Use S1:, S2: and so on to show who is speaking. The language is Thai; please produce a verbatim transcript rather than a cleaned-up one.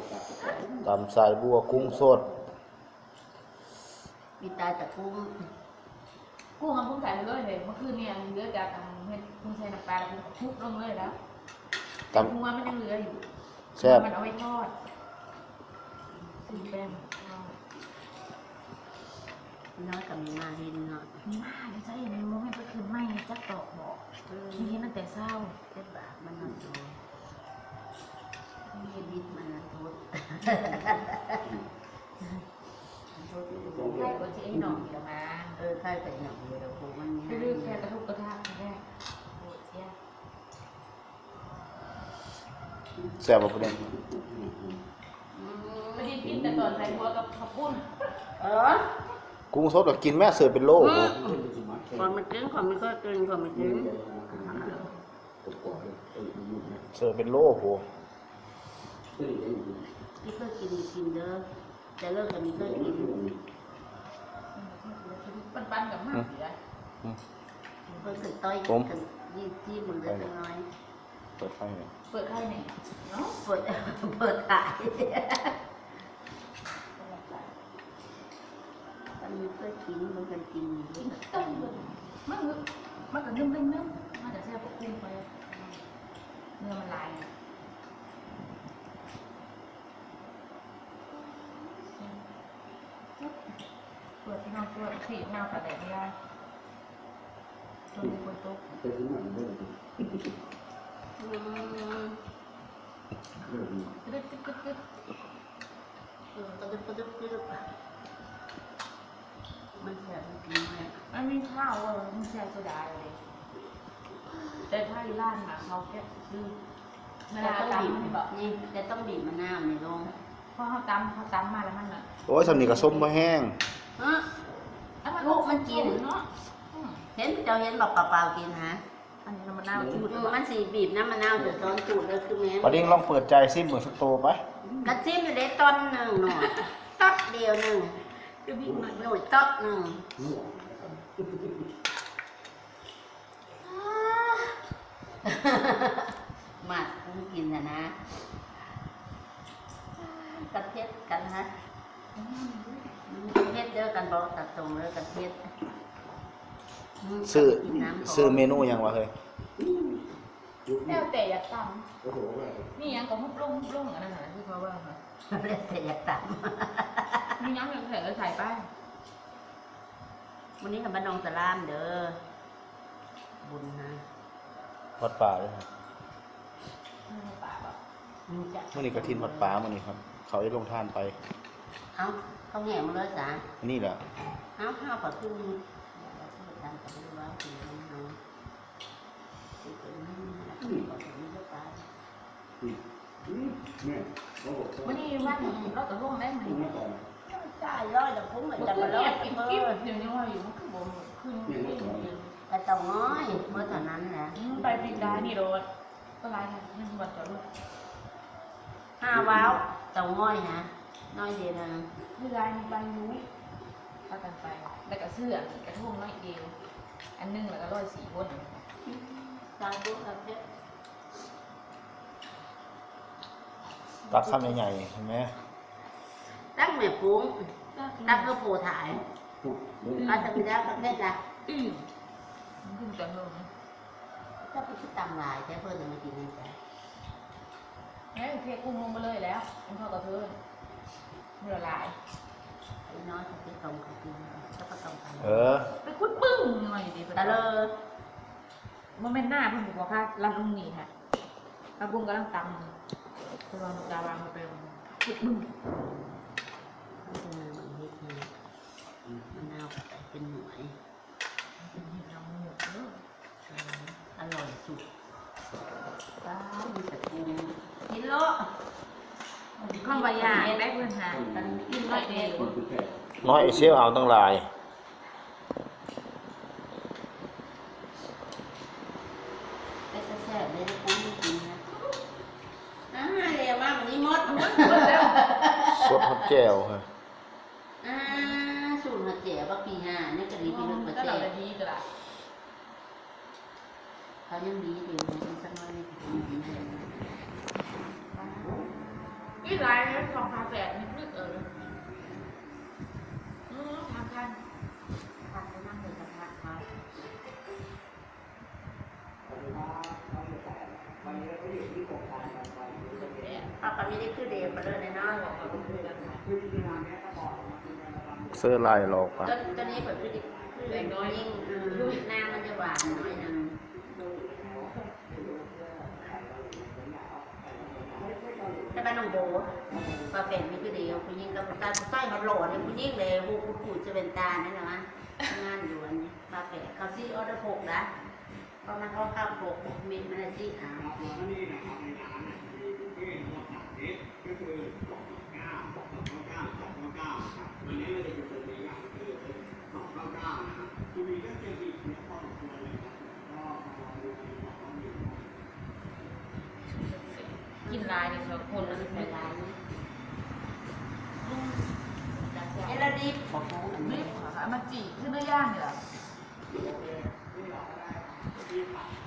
S1: ตำสายบัวกุ้งสด
S2: มีตาจากกุ้ง
S3: กุ้งเอากุ้งใส่ไปเลยเลยเมื่อคืนเนี่ยเหลือจากเห็ดกุ้งใส่น้ำปลาแล้วกุ้งทุบลงเลยแล้วแต่กุ้งมันยังเหลืออยู่แซ่บมันเอาไว้ทอดสีแป้ง
S2: น้อยกับมีมาเห็นเนาะ
S3: มีมาเดี๋ยวจะเห็นโมเมนต์ก็คือไม่จักตอกบอกมีเห็นตั้งแต่เศร้า
S2: เจ็บบามันนอนโตมีบิดมันนะโทษ
S3: ใช่ก็จะไอ้หน่องเดี๋ยวมา
S2: เออใช่แต่หนักเดียวโหมัน
S3: ไปเลือกแค่กระทุกกระทะแค่โหเสีย
S1: แซ่บประเด็น
S3: ไม่ได้กินแต่ตอนใส่หัวกับข้าวปุ้น
S2: เออ
S1: กุ้งสดก็กินแม่เสิร์ฟเป็นโล
S2: คนมันกินคนไม่ก็กินคนไม่กิน
S1: เสิร์ฟเป็นโลโห
S2: ที่เคยกินกินเด้อแต่เลิกกันมีเคยกิน
S3: ปันๆกับมากอยู่เลย
S2: เพิ่งเคยต้อยกันยี่ที่มึงเล็กน้อย
S1: เปิดไฟเนี่ย
S3: เปิดไข่เนี่ยเนาะ
S2: เปิดเปิดขายมันมีเคยกินมันเคยกิน
S3: ต้องมันมันก็นึ่งนึ่งนึ่งมันจะแซ่บกุ้งไปเนื้อมันลายเปิดที่นอนตัวสีนอนแต่ไหนไม่ได้ตัวมีคนตุ๊ก
S2: ตึ๊ดตึ๊ด
S3: ตึ๊ดตึ๊ด
S2: เออตึ๊ดตึ๊ดตึ๊ดตึ๊ดมันแสบจริงไหม
S3: มันมีข้าวเออมันแซ่บโซดาเลยแต่ถ้าอยู่ร้านหาเขาแค่คือเวลาตำมันแบบ
S2: นี่จะต้องบีบมะนาวในลง
S3: เพราะเขาตำเขาตำมาแล้วมันอ่ะ
S1: โอ้ยสำนีกับส้มมาแห้ง
S2: ลูกมันกิน
S3: เนาะ
S2: เห็นเจ้าเห็นบอกเปล่าๆกินฮะ
S3: อันนี้น้ำมะนาวจูด
S2: มันสีบีบน้ำมะนาวจะซ้อนจูดเลยคือแม่
S1: ปดิ้งลองเปิดใจซิมเหมือนสโตไป
S2: กระซิมอยู่ในต้นหนึ่งหน่อยต๊อกเดียวหนึ่ง
S3: จะบีบหน่อย
S2: หน่อยต๊อกหนึ่งมาคุ้มกินนะนะกระเทียมกันฮะกระเทียมเด้อกันบอกตัดตรงเลยกระเทียม
S1: ซื้อซื้อเมนูยังวะเฮ้ย
S3: แล้วแต่อยากตำนี่ยังก็มุกลุ่มมุกลุ่มอันนั้นนะที่เขาว่าค่ะ
S2: แล้วแต่อยากต
S3: ำมียังอยากใส่ก็ใส่ไป
S2: วันนี้กับบ้านนองตะลามเด้อบุญนะ
S1: วัดป่าด้วยครับ
S3: ป่าแบบ
S1: เมื่อนี้กระถินวัดป่าเมื่อนี้ครับเขาได้ลงทานไป
S2: เอ้าเขาแง่มาเลยจ้ะ
S1: นี่แหละ
S2: เอ้าข้าวผัดกุ้งทำกับลูกว่าคือน้อง
S3: วันนี้วันเราตกลงได้ไหม
S2: จ่ายร้อยแต่คุ้มเหมือนจะมาร้อย
S3: อีกกิ๊บเดี๋ยวนี้ว่าอยู่มันคือบ่ขึ้น
S2: แต่เต่าน้อยเมื่อตอนนั้นแหละ
S3: ไปปิดได้นี่โดนก็ไล่กันนี่วันจอดรถ
S2: ห้าว้าวเต่าน้อยนะน้อยเดียวนะ
S3: นี่ไล่ไปรู้พากันไปแล้วก็เสื้อกระทุ่งน้อยเดียวอันนึงแล้วก็ร้อยสี่คน
S2: ตามปุ๊บกับเพชร
S1: ตักคำใหญ่ๆเห็นไหม
S2: ตั้งแม่ปุ้งตั้งก็ปูถ่ายอาจจะมีได้กับเพชรละ
S3: อืมมันขึ้นจังเลย
S2: ถ้าไปคิดตามลายใช้เพื่อนจะมากินนี่จ้ะ
S3: เฮ้ยเทกุ้งลงมาเลยแล้วมันเข้ากับเพื่อนเมื่อลาย
S2: น้อยเขาไปตรงเขากินก็ไปตรงกัน
S1: เออ
S3: ไปคุดปึ้งหน่อยดิ
S2: แต่เลย
S3: โมเมนต์หน้าเพิ่งบอกว่าลำลุงนี่ค่ะลำบุ้งกำลังตำคือเราจะวางมาเป็นคุดปึ้ง
S2: มะนาวเป็นหน่วยอร่อยสุดตามีแต่กุ้งกินโล
S3: ข้าวใบยาได้เพื่อนหากันกินน้อยเดียว
S1: น้อยเชี่ยวเอาตั้งหลาย
S2: ไปแซ่บเลยนะกุ้งกินนะอ่าเรียกว่าวันนี้มด
S1: สดฮอตแก้วค่ะ
S2: อ่าสูตรหัดเจ๋อบักปีห้านี่ก็ดีพี่ลึกประเทศ
S3: ดีก็ได้
S2: เขายังดีอยู่นะสักน้อยนี่ดีดีเลย
S3: กิพี่ไลน์สองพาแฝดนิดนึงเออเออทำกัน
S2: ทำไปนั่งเลยกระทะเขาป้าปาไม่ได้คือเดียวมาเลยนะบอกว่าคือกันค่ะ
S1: เสื้อลายหลอกปะ
S2: ต้นต้นนี้แบบคือคือเล็กน้อยยิ่งหน้ามันจะหวานหน่อยนึงแต่บ้านน้องโบปลาแฝดมีคือเดียวคุณยิ่งกับตาใต้เขาหล่อเนี่ยคุณยิ่งเลยหูคุณปู่จะเป็นตานั่นนะงานอยู่อันนี้ปลาแฝดเขาซี่ออเดอร์หกนะเพราะมันเขาข้าวหกมีมันอะไรซี่อ่ะ
S3: กินไลน์เนี่ยสองคนแล้ว
S2: เป็
S3: ไม่
S2: น
S3: ไล
S2: ลาย
S3: น์
S2: นี่เอลดีของเขาอัน
S3: ไม่
S2: นี้
S3: ขอค่ะมาจีขึ้นเนื้อย่างเนี่ย